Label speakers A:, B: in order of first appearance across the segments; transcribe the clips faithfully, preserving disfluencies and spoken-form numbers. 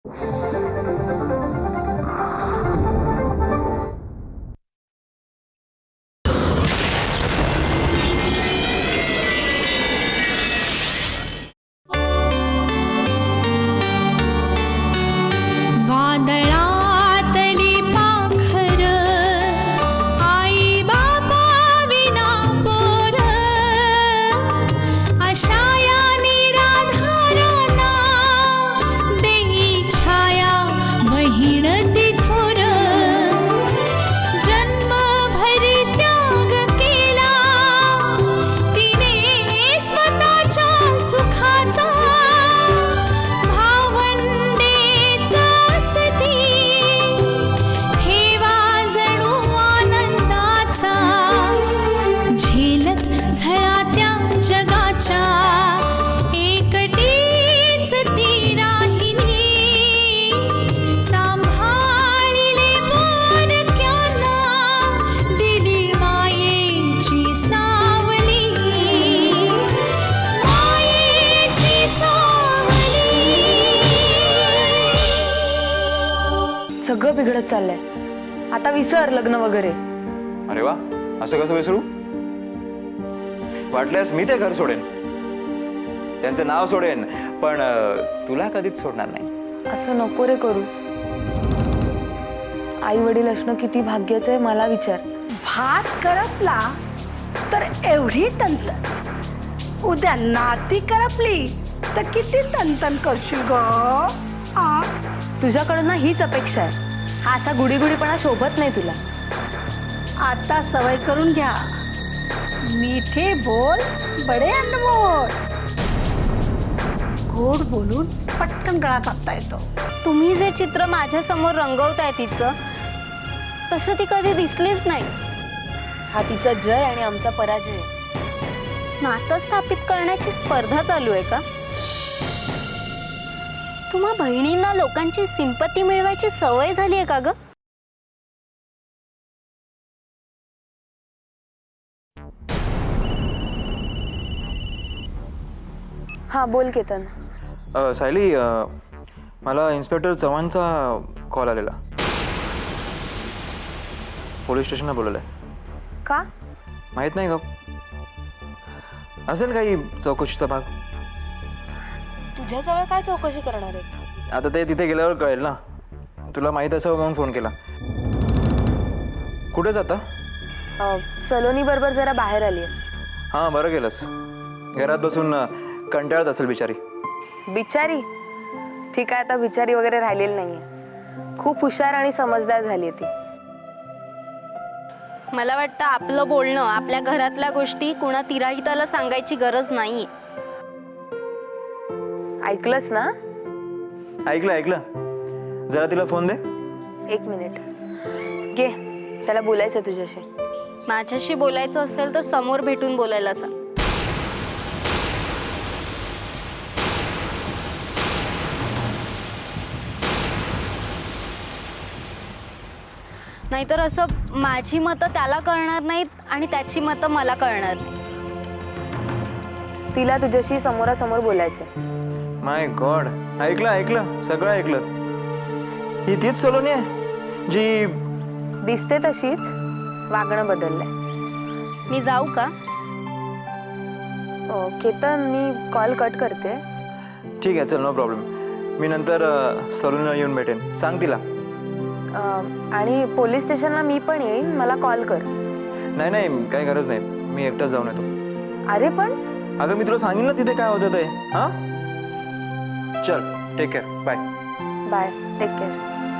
A: सगळं बिघडत चाललंय. आता विसर लग्न वगैरे.
B: अरे वा, असं कसं विसरू? वाटल्यास मी ते घर सोडेन, त्यांचं नाव सोडेन, पण तुला कधीच सोडणार नाही.
A: असं नको रे करूस. आई वडील असणं किती भाग्याचं आहे मला विचार.
C: भात करपला तर एवढी तंतन, उद्या नाती करपली तर किती तंतन करशील ग? आ
A: तुझ्याकडनं हीच अपेक्षा आहे. हा असा गुडीगुडीपणा शोभत नाही तुला.
C: आता सवय करून घ्या. मीठे बोल बडे अनमोल. गोड बोलून पटकन गळा कापता येतो.
D: तुम्ही जे चित्र माझ्या समोर रंगवताय तिचं, तसं ती कधी दिसलीच नाही.
A: हा तिचा जय आणि आमचा पराजय.
D: नातं स्थापित करण्याची स्पर्धा चालू आहे का? तुम्हा बहिणींना लोकांची सिंपत्ती मिळवायची सवय झाली आहे का ग?
A: हा बोल केतन.
B: सायली, मला इन्स्पेक्टर चव्हाणचा कॉल आलेला. पोलीस स्टेशनला बोलवलंय.
A: का?
B: माहित नाही का? असेल काही चौकशीचा भाग.
A: तुझ्याजवळ काय चौकशी करणार आहे?
B: आता ते तिथे गेल्यावर कळेल ना. तुला माहित असावं म्हणून फोन केला. कुठे जाता?
A: सलोनी बरोबर जरा बाहेर आली.
B: हां, बरं केलंस. घरात बसून कंटाळत असेल बिचारी.
A: बिचारी? ठीक आहे, आता बिचारी वगैरे राहिलेली नाहीये. खूप हुशार आणि समजदार झाली ती.
D: मला वाटतं आपलं बोलणं, आपल्या घरातल्या गोष्टी कुणा तिराहिताला सांगायची गरज नाही.
A: ऐकलंस ना?
B: ऐकलं ऐकलं. जरा तिला फोन दे.
A: एक मिनिट घे, त्याला बोलायचं तुझ्याशी.
D: माझ्याशी बोलायचं असेल तर समोर भेटून बोलायला सांग. नाहीतर असं माझी मतं त्याला कळणार नाहीत आणि त्याची मतं मला कळणार नाही.
A: तिला तुझ्याशी समोरासमोर बोलायचं.
B: माय गॉड, ऐकलं ऐकलं सगळं ऐकलं. ही तीच सलोनी आहे जी
A: दिसते तशीच, वागणं बदललंय.
D: मी जाऊ का?
A: ओ, केतन, मी कॉल कट करते.
B: ठीक आहे, चल, नो प्रॉब्लेम. मी नंतर सलोनीला येऊन भेटेन. सांग तिला.
A: आणि पोलीस स्टेशनला मी पण येईन, मला कॉल कर.
B: नाही नाही, काही गरज नाही. मी एकटाच जाऊन येतो.
A: अरे पण
B: अगं, मी तुला सांगेन ना तिथे काय होतं ते. हां, चल, take care. Bye
A: bye, take care.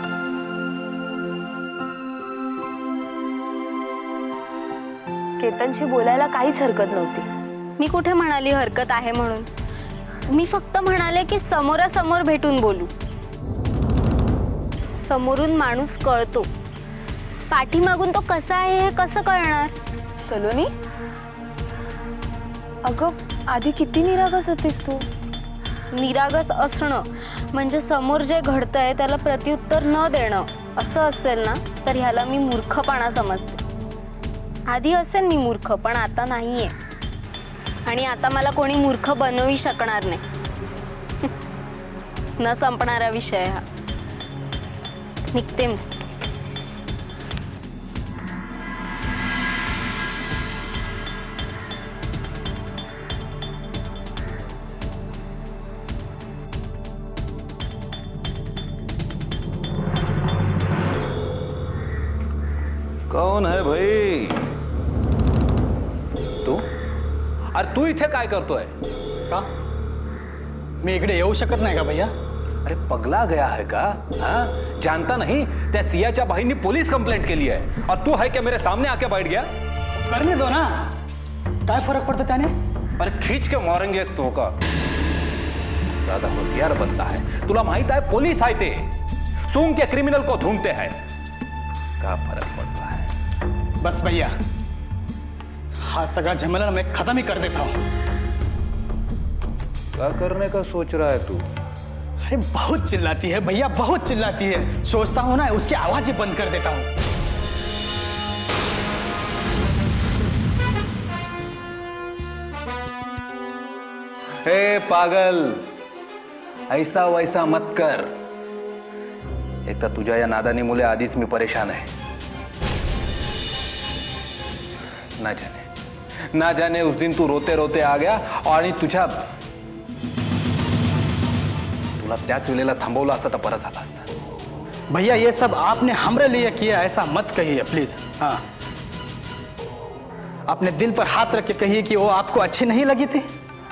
A: केतनशी बोलायला काहीच हरकत नव्हती.
D: मी कुठे म्हणाली हरकत आहे म्हणून? मी फक्त म्हणाले की समोरासमोर भेटून बोलू. समोरून माणूस कळतो, पाठीमागून तो कसा आहे हे कसं कळणार?
A: सलोनी, अगं आधी किती निरागस होतीस तू.
D: निरागस असणं म्हणजे समोर जे घडतंय त्याला प्रत्युत्तर न देणं असं असेल ना, तर ह्याला मी मूर्खपणा समजते. आधी असेल मी मूर्ख, पण आता नाहीये. आणि आता मला कोणी मूर्ख बनवू शकणार नाही. न संपणारा विषय हा. निघते मी.
E: कौन है भाई तू? अरे तू इथे काय करतोय?
F: का मी इकडे येऊ शकत नाही का भैया?
E: अरे पगला गया है का? हाँ? जानता नहीं त्या सियाच्या भाईंनी पोलीस कंप्लेंट केली है और तू है क्या मेरे सामने आके बैठ गया?
F: करने दो ना, काय फरक पड़ता त्याने?
E: अरे खींच के मारेंगे एक तो का. ज्यादा होशियार बनता है. तुला माहित आहे पोलीस आहे ते सूंघ के क्रिमिनल को ढूंढते हैं. का फरक पड़ता है?
F: बस भैया, हाँ सगळा झमेला मैं खत्म ही कर देता हूँ.
E: क्या करने का सोच रहा है तू?
F: अरे बहुत चिल्लाती है भैया, बहुत चिल्लाती है. सोचता हूँ ना उसकी आवाज ही बंद कर देता हूँ.
E: हे पागल, ऐसा वैसा मत कर. एक तर तुझ्या या नादानी मुले आधीच मी परेशान आहे. ना जाने ना जाने उस दिन तू रोते रोते आ गया आणि तुझ्या तुला त्याच वेळेला थांबवलं असतं तर बरं झालं असतं.
F: भैया ये सब आपने हमरे लिए किया, ऐसा मत कहिए प्लीज. हाँ, अपने दिल पर हाथ रख के कहिए कि वो आपको अच्छी नहीं लगी थी.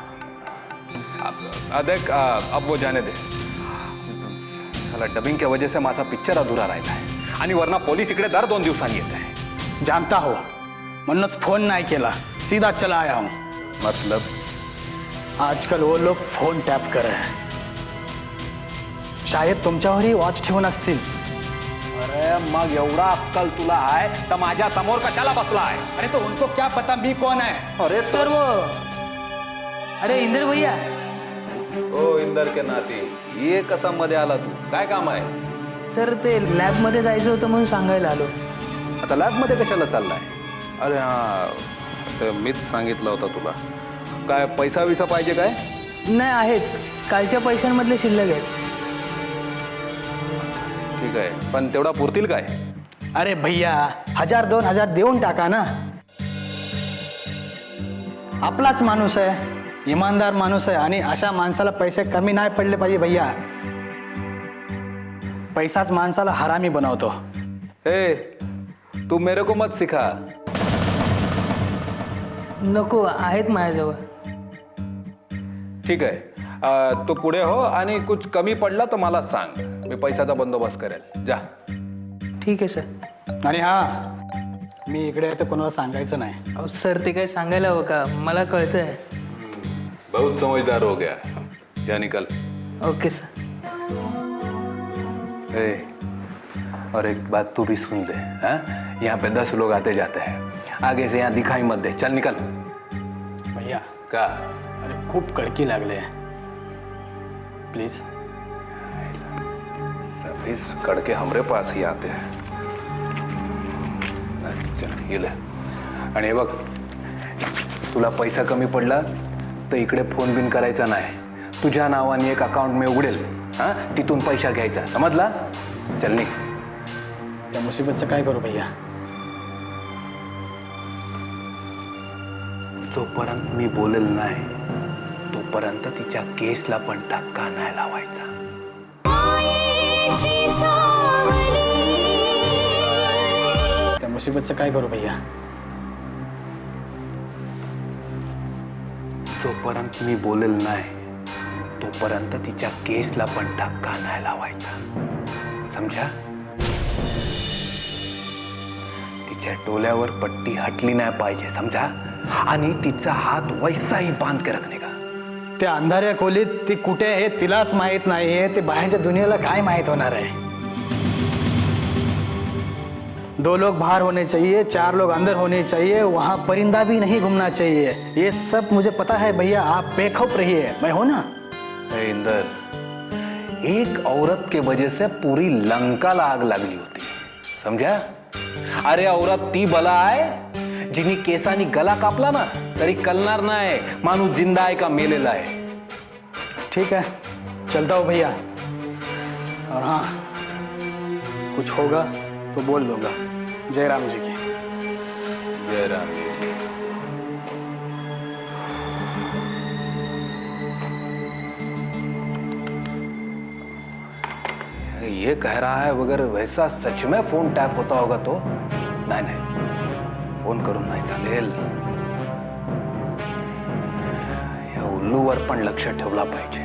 E: अब देख, अब वो जाने दे. साला डबिंग के वजह से माझा पिक्चर अधुरा राहिला आहे आणि वरना पोलीस इकडे दर दोन दिवसांनी येत आहे.
F: जानता हो, म्हणूनच फोन नाही केला, सीधा चला आया हूं.
E: मतलब
F: आजकल वो लोग फोन टॅप कर रहे हैं. शायद तुमच्यावरही वॉच ठेवून असतील.
E: अरे मग एवढा अक्कल तुला आहे तर माझ्या समोर कशाला बसला आहे?
F: अरे तो उनको क्या पता मी कौन है.
E: अरे
G: सर वो अरे इंदर भैया.
E: ओ इंदर के नाती, ये कसा मध्ये आला तू? काय काम आहे?
G: सर ते लॅबमध्ये जायचं होतं म्हणून सांगायला आलो.
E: आता लॅब मध्ये कशाला चाललाय? अरे हा, ते मीच सांगितलं होतं तुला. काय पैसा विसा पाहिजे काय?
G: नाही आहेत, कालच्या पैशांमधले शिल्लक आहेत.
E: ठीक आहे, पण तेवढा पुरतील काय?
F: अरे भैया, हजार दोन हजार देऊन टाका ना. आपलाच माणूस आहे, इमानदार माणूस आहे आणि अशा माणसाला पैसे कमी नाही पडले पाहिजे भैया. पैसाच माणसाला हरामी बनवतो.
E: हे तू मेरे को मत सिखा.
G: नको, आहेत माझ्याजवळ.
E: ठीक आहे, अं, तू पुढे हो आणि कुछ कमी पडला तर मला सांग, मी पैशाचा बंदोबस्त करेल. जा.
G: ठीक आहे सर.
F: आणि हा, मी इकडे आहे तर कोणाला सांगायचं नाही.
G: अहो सर, ते काही सांगायला हवं का? मला कळतंय.
E: बहुत समझदार हो गया. जा निकल.
G: Okay sir.
E: ए, और एक बात तू भी सुन दे. हाँ, यहाँ पे दस लोग आते जाते हैं, आगे से यहाँ दिखाई मत दे. चल निकल.
F: भैया
E: का?
F: अरे खूप कडकी लागले, प्लीज.
E: सभी कड़के हमरे पास ही आते हैं. अच्छा, ये ले. आणि हे बघ, तुला पैसा कमी पडला तर इकडे फोन बिन करायचा नाही. तुझ्या नावाने एक अकाउंट मी उघडेल. हां, तिथून पैसा घ्यायचा, समजला? चल निघ.
F: त्या मुसीबतचं काय करू भैया?
E: जोपर्यंत मी बोलेल नाही तोपर्यंत तिच्या केसला पण धक्का नाही लावायचा.
F: त्या मुसीबतचं काय करू भैया?
E: जोपर्यंत मी बोलेल नाही तोपर्यंत तिच्या केसला पण धक्का नाही लावायचा, समजा? तिच्या डोल्यावर पट्टी हटली नाही पाहिजे, समजा? आणि तिचा हात वैसाही बांध के रखने का.
F: त्या अंधाऱ्या खोलीत ती कुठे आहे तिलाच माहित नाहीये, ते बाहेरच्या दुनियेला काय माहित होणार आहे. दो लोग बाहर होने चाहिए, चार लोग अंदर होने चाहिए, वहां परिंदा भी नहीं घूमना चाहिए. ये सब मुझे पता है भैया, आप बेखौफ रहिए, मैं हो ना.
E: ए इंदर, एक औरत के वजह से पूरी लंकाला आग लागली होती, समझा? अरे औरत ती बला आहे जिनी केसानी गला कापला ना तरी कलणार नाही माणूस जिंदा आहे का मेलेला आहे.
F: ठीक है, चलता हूँ भैया. और हाँ, कुछ होगा तो बोल दूंगा। जय राम जी की।
E: जय राम। ये कह रहा है अगर वैसा सच में फोन टॅप होता होगा तो नाही नाही फोन करून नाही चालेल. या उल्लूवर पण लक्ष ठेवला पाहिजे.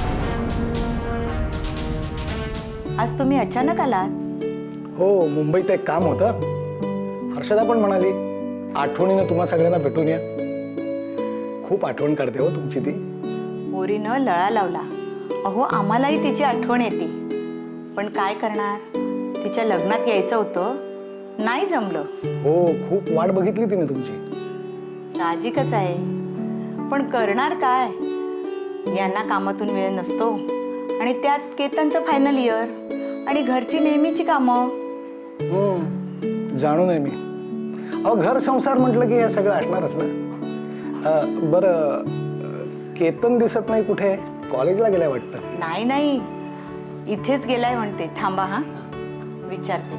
H: आज तुम्ही अचानक आलात?
F: हो, मुंबईत एक काम होतं. हर्षदा पण म्हणाली आठवणीनं तुम्हा सगळ्यांना भेटून या. खूप आठवण करते हो तुमची ती.
H: पोरीनं लळा लावला. अहो आम्हालाही तिची आठवण येते, पण काय करणार, तिच्या लग्नात यायचं होतं, नाही जमलं.
F: हो, खूप वाट बघितली तिने तुमची.
H: साहजिकच आहे, पण करणार काय, यांना कामातून वेळ नसतो आणि त्यात केतनचं फायनल इयर आणि घरची नेहमीची कामं.
F: हम्म, जाणून आहे मी. अहो, घर संसार म्हटलं की हे सगळं असणारच ना. अं, बरं, अं, केतन दिसत नाही कुठे? कॉलेजला गेलाय वाटतं.
H: नाही नाही, इथेच गेलाय म्हणते. थांबा हा, विचारते.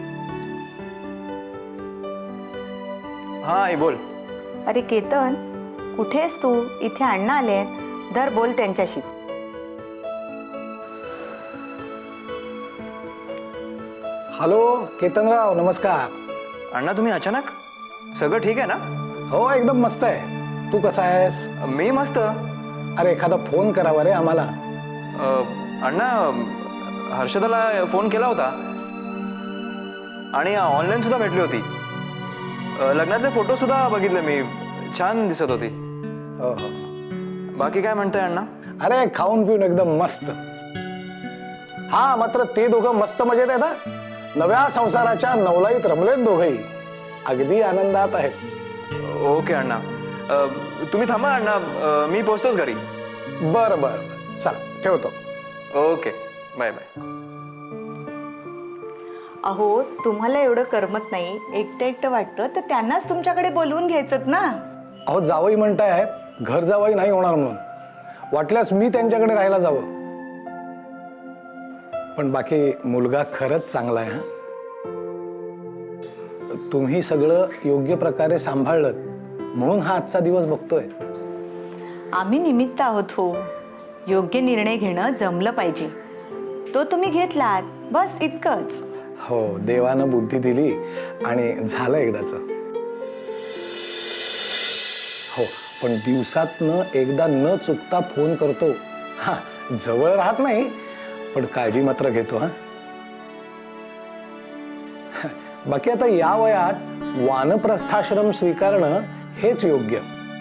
B: हा आई बोल.
H: अरे केतन, कुठे आहेस तू? इथे अण्णा आले. धर, बोल त्यांच्याशी.
F: हॅलो केतनराव, नमस्कार.
B: अण्णा तुम्ही अचानक? सगळं ठीक आहे ना?
F: हो, एकदम मस्त आहे. तू कसा आहेस?
B: मी मस्त.
F: अरे एखादा फोन करावा रे आम्हाला.
B: अ, अण्णा हर्षदाला फोन केला होता आणि ऑनलाईन सुद्धा भेटली होती. अ, लग्नातले फोटो सुद्धा बघितले मी, छान दिसत होती.
F: हो हो.
B: बाकी काय म्हणताय अण्णा?
F: अरे खाऊन पिऊन एकदम मस्त. हा, मात्र ते दोघं मस्त मजेत आहेत. हा, नव्या संसाराच्या नवलाईत रमलेत दोघंही. अगदी आनंदात आहेत.
B: ओके अण्णा. अ, तुम्ही थांबा अण्णा, अ, मी पोहोचतोच घरी.
F: बरं बरं, चला ठेवतो.
B: Okay, bye bye.
H: अहो तुम्हाला एवढं करमत नाही, एकटं एकटं वाटतं, तर त्यांनाच तुमच्याकडे बोलवून घ्यायचं ना.
F: अहो जावई म्हणतायत घर जावई नाही होणार म्हणून. वाटल्यास मी त्यांच्याकडे राहायला जावं. पण बाकी मुलगा खरंच चांगला आहे. हा, तुम्ही सगळं योग्य प्रकारे सांभाळलं म्हणून हा आजचा दिवस बघतोय.
H: आम्ही निमित्त आहोत हो. योग्य निर्णय घेणं जमलं पाहिजे, तो तुम्ही घेतलात, बस इतकंच.
F: हो, देवानं बुद्धी दिली आणि झालं एकदाच. हो, पण दिवसातनं एकदा न चुकता फोन करतो. हा, जवळ राहत नाही पण काळजी मात्र घेतो. हा, बाकी आता या वयात वानप्रस्थाश्रम स्वीकारणं हेच योग्य.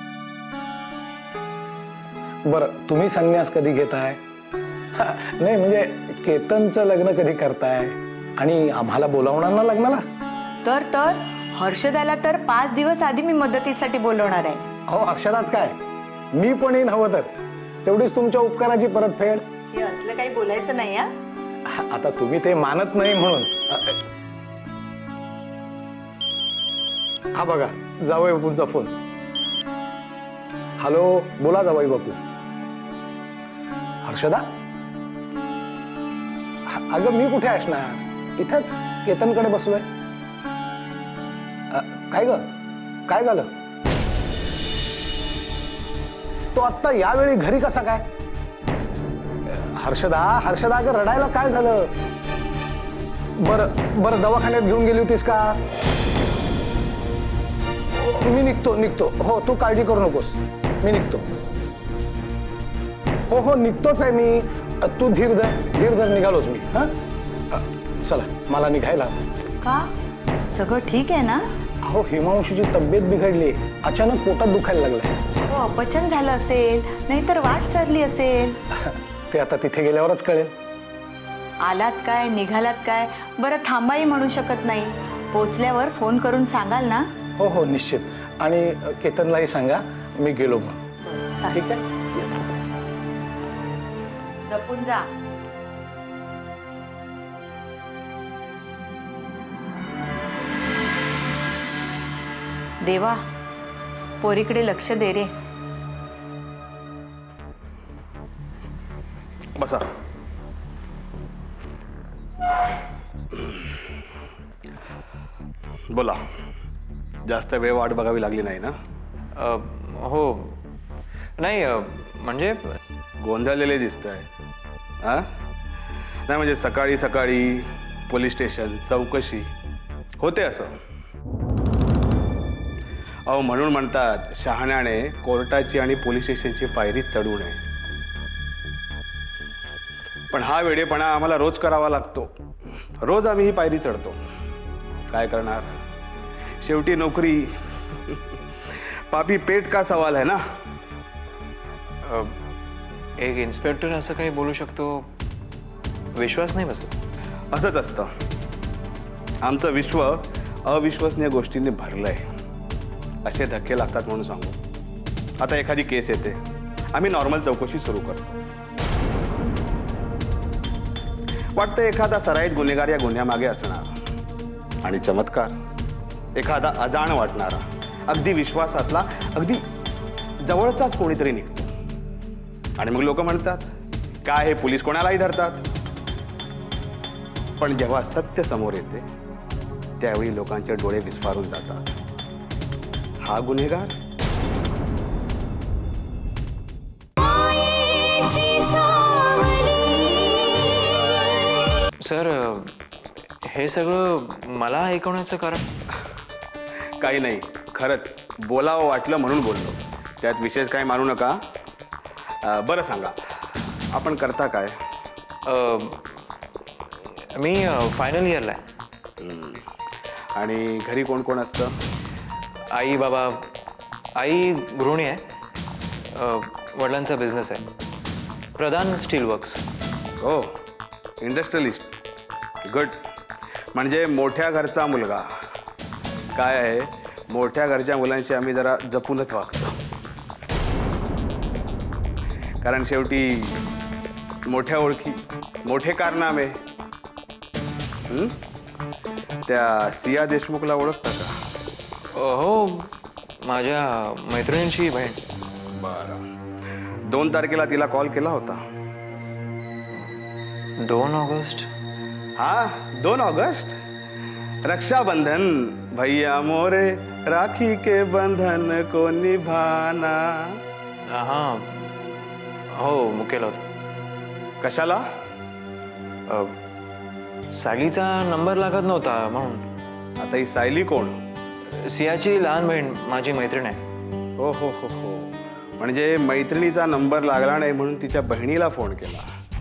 F: बरं, तुम्ही संन्यास कधी घेताय? नाही म्हणजे केतनचं लग्न कधी करताय आणि आम्हाला बोलावणार ना लग्नाला?
H: तर तर हर्षदाला तर पाच दिवस आधी मी मदतीसाठी बोलवणार आहे.
F: अहो हर्षदाच काय, मी पण येईन हवं तर. तेवढीच तुमच्या उपकाराची परतफेड.
H: हे असलं काही बोलायचं नाही. हा,
F: आता तुम्ही ते मानत नाही म्हणून. हा बघा, जावई बापूंचा फोन. हॅलो, बोला जावई बापू. हर्षदा? अगं मी कुठे असणार, इथंच केतनकडे बसलोय. काय ग, काय झालं? तो आत्ता यावेळी घरी कसा काय? हर्षदा, हर्षदा अगं रडायला काय झालं? बरं बरं, दवाखान्यात घेऊन गेली होतीस का? मी निघतो निघतो हो, तू काळजी करू नकोस, मी निघतो. हो हो, निघतोच आहे मी. तू धीर धर, धीर धर, निघालोच मी. हा, चला मला निघायला.
H: का सगळं ठीक आहे ना?
F: अहो हिमांशूची तब्येत बिघडली, अचानक पोटात दुखायला लागलंय.
H: हो, अपचन झालं असेल, नाहीतर वाट सरली असेल.
F: ते आता तिथे गेल्यावरच कळेल.
H: आलात काय, निघालात काय? बरं थांबाही म्हणू शकत नाही. पोचल्यावर फोन करून सांगाल ना?
F: हो हो निश्चित. आणि केतनलाही सांगा मी गेलो म्हणून. ठीक आहे,
H: जपून जा. देवा, पोरीकडे लक्ष दे रे.
B: बसा.
I: बोला. जास्त वेळ वाट बघावी लागली नाही ना?
B: अ, हो नाही अ, म्हणजे
I: गोंधळलेले दिसत आहे. हा नाही म्हणजे सकाळी सकाळी पोलीस स्टेशन चौकशी होते असं. अहो म्हणून म्हणतात शहाण्याने कोर्टाची आणि पोलीस स्टेशनची पायरी चढू नये. पण हा वेडेपणा आम्हाला रोज करावा लागतो. रोज आम्ही ही पायरी चढतो. काय करणार, शेवटी नोकरी पापी पेट का सवाल आहे ना.
B: अ, एक इन्स्पेक्टर असं काही बोलू शकतो, विश्वास नाही बसत.
I: असंच असतं. आमचं विश्व अविश्वसनीय गोष्टींनी भरलंय. असे धक्के लागतात म्हणून सांगू. आता एखादी केस येते, आम्ही नॉर्मल चौकशी सुरू करतो. वाटतं एखादा सराईत गुन्हेगार या गुन्ह्यामागे असणार. आणि चमत्कार, एखादा अजाण वाटणारा अगदी विश्वासातला अगदी जवळचाच कोणीतरी निघतो. आणि मग लोक म्हणतात काय हे पोलीस कोणालाही धरतात. पण जेव्हा सत्य समोर येते त्यावेळी लोकांचे डोळे विस्फारून जातात. हा गुन्हेगार.
B: सर अ, हे सगळं मला ऐकवण्याचं कारण
I: काही नाही, खरंच बोलावं वाटलं म्हणून बोललो. त्यात विशेष काही मानू नका. अं, बरं सांगा, आपण करता काय?
B: अ, मी फायनल इयरला आहे.
I: आणि घरी कोण कोण असतं?
B: आई बाबा. आई गृहिणी आहे. अ, वडिलांचा बिझनेस आहे, प्रधान स्टील वर्क्स.
I: हो, इंडस्ट्रियलिस्ट. गुड. म्हणजे मोठ्या घरचा मुलगा. काय आहे, मोठ्या घरच्या मुलांशी आम्ही जरा जपूनच वागतो. कारण शेवटी मोठ्या ओळखी, मोठे कारनामे. हं? त्या सिया देशमुखला ओळखता का?
B: अ, हो, माझ्या मैत्रिणींची बहीण.
I: बरं. दोन तारखेला तिला कॉल केला होता.
B: दोन ऑगस्ट.
I: हा, दोन ऑगस्ट. रक्षाबंधन. भैया मोरे राखी के बंधन को निभाना.
B: हां हो, मुकेला होता.
I: कशाला?
B: अ, सायलीचा नंबर लागत नव्हता म्हणून.
I: आता ही सायली कोण?
B: सियाची लहान बहीण, माझी मैत्रीण आहे.
I: हो हो हो हो. म्हणजे मैत्रिणीचा नंबर लागला नाही म्हणून तिच्या बहिणीला फोन केला.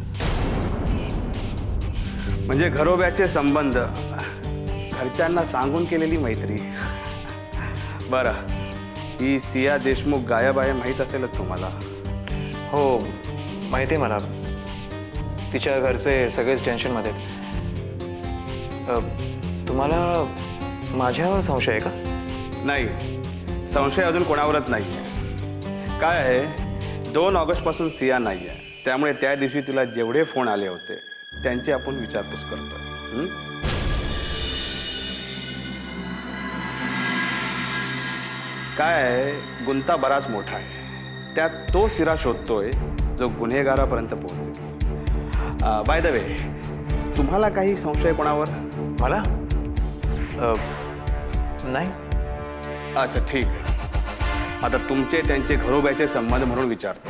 I: म्हणजे घरोब्याचे संबंध, घरच्यांना सांगून केलेली मैत्री. बरं, ही सिया देशमुख गायब आहे माहीत असेलच तुम्हाला?
B: हो माहिती आहे मला. तिच्या घरचे सगळेच टेन्शनमध्ये आहेत. अ, तुम्हाला माझ्यावर संशय आहे का?
I: नाही, संशय अजून कोणावरच नाही आहे. काय आहे, दोन ऑगस्टपासून सिया नाही आहे. त्यामुळे त्या दिवशी तिला जेवढे फोन आले होते त्यांची आपण विचारपूस करतो. हं? काय आहे, गुंता बराच मोठा आहे. त्यात तो सिरा शोधतोय जो गुन्हेगारापर्यंत पोहोचेल. बाय द वे, तुम्हाला काही संशय कोणावर?
B: मला अ, नाही.
I: अच्छा, ठीक. आता तुमचे त्यांचे घरोब्याचे संबंध म्हणून विचारतो.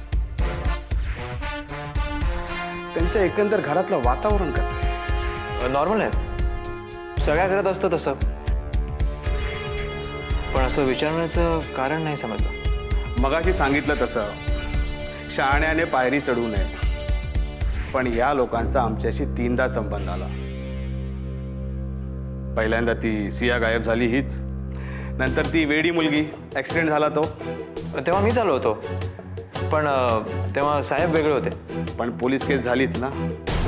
I: त्यांच्या एकंदर घरातलं वातावरण कसं आहे?
B: नॉर्मल आहे, सगळ्या घरात असतं तसं. पण असं विचारण्याचं कारण नाही समजलं.
I: मगाशी सांगितलं तसं शहाण्याने पायरी चढू नये. पण या लोकांचा आमच्याशी तीनदा संबंध आला. पहिल्यांदा ती सिया गायब झाली हीच, नंतर ती वेडी मुलगी, ॲक्सिडेंट झाला तो.
B: तेव्हा मी चालू होतो, पण अ, तेव्हा साहेब वेगळे होते.
I: पण पोलीस केस झालीच ना.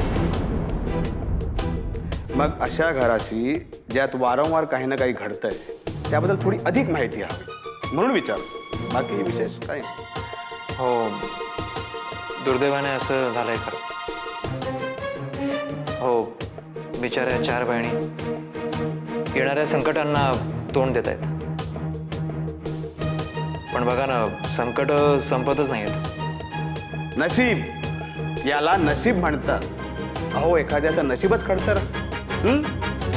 I: मग अशा घराशी ज्यात वारंवार काही ना काही घडतंय त्याबद्दल थोडी अधिक माहिती हवी म्हणून विचार. बाकी विशेष काही नाही.
B: हो, दुर्दैवाने असं झालंय खरं. हो, बिचाऱ्या चार बहिणी येणाऱ्या संकटांना तोंड देत आहेत. पण बघा ना, संकट संपतच नाही आहेत.
I: नशीब, याला नशीब म्हणतात. अहो एखाद्याचं नशीबच खडतर असतं. हं?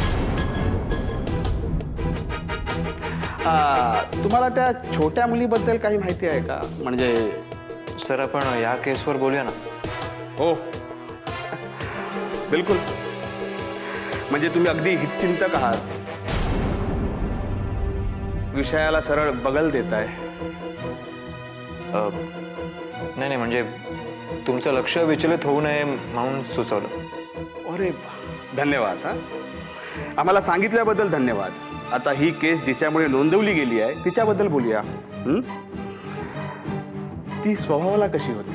I: आ, तुम्हाला त्या छोट्या मुलीबद्दल काही माहिती आहे का? म्हणजे
B: सर आपण या केसवर बोलूया ना.
I: हो बिलकुल. म्हणजे तुम्ही अगदी हितचिंतक आहात, विषयाला सरळ बगल देताय.
B: अ, नाही नाही म्हणजे तुमचं लक्ष विचलित होऊ नये म्हणून सुचवलं.
I: अरे वा, धन्यवाद. हा आम्हाला सांगितल्याबद्दल धन्यवाद. आता ही केस जिच्यामुळे नोंदवली गेली आहे तिच्याबद्दल बोलूया. हं? ती स्वभावाला कशी होती?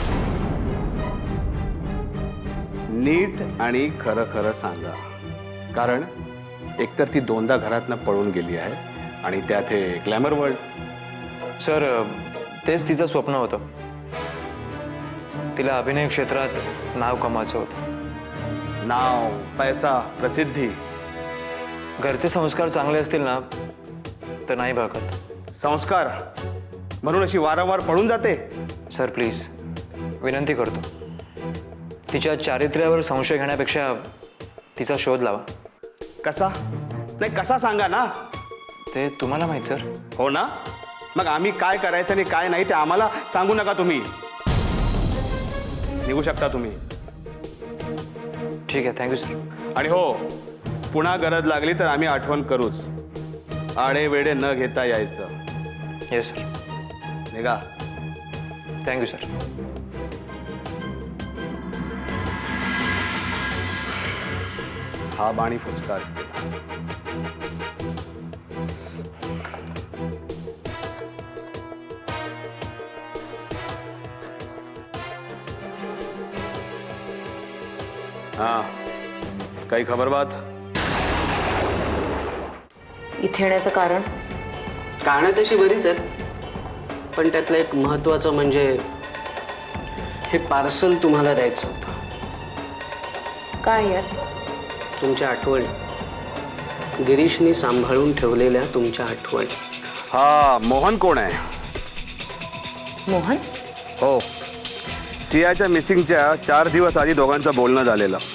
I: नीट आणि खरं खरं सांगा, कारण एकतर ती दोनदा घरातनं पळून गेली आहे आणि त्यात हे ग्लॅमर वर्ल्ड.
B: सर तेच तिचं स्वप्न होतं. तिला अभिनय क्षेत्रात नाव कमावायचं होतं.
I: नाव, पैसा, प्रसिद्धी.
B: घरचे संस्कार चांगले असतील ना तर नाही बघत.
I: संस्कार म्हणून अशी वारंवार पळून जाते?
B: सर प्लीज विनंती करतो, तिच्या चारित्र्यावर संशय घेण्यापेक्षा तिचा शोध लावा.
I: कसा? नाही कसा सांगा ना.
B: ते तुम्हाला माहीत सर.
I: हो ना, मग आम्ही काय करायचं आणि काय नाही ते आम्हाला सांगू नका तुम्ही. निघू शकता तुम्ही.
B: ठीक आहे, थँक्यू सर.
I: आणि हो, पुन्हा गरज लागली तर आम्ही आठवण करूच. आडे वेडे न घेता यायचं.
B: Yes sir.
I: निघा.
B: Thank you sir.
I: हा बाणी फुसकाच केला. हा, काही खबर बात?
J: इथे येण्याचं कारण?
K: कारणं तशी बरीच आहेत, पण त्यातलं एक महत्त्वाचं म्हणजे हे पार्सल तुम्हाला द्यायचं होतं.
J: काय यात?
K: तुमच्या आठवणी, गिरीशनी सांभाळून ठेवलेल्या तुमच्या आठवणी.
I: हा मोहन कोण आहे?
J: मोहन?
I: हो, सियाच्या मिसिंगच्या चार दिवस आधी दोघांचं बोलणं झालेलं.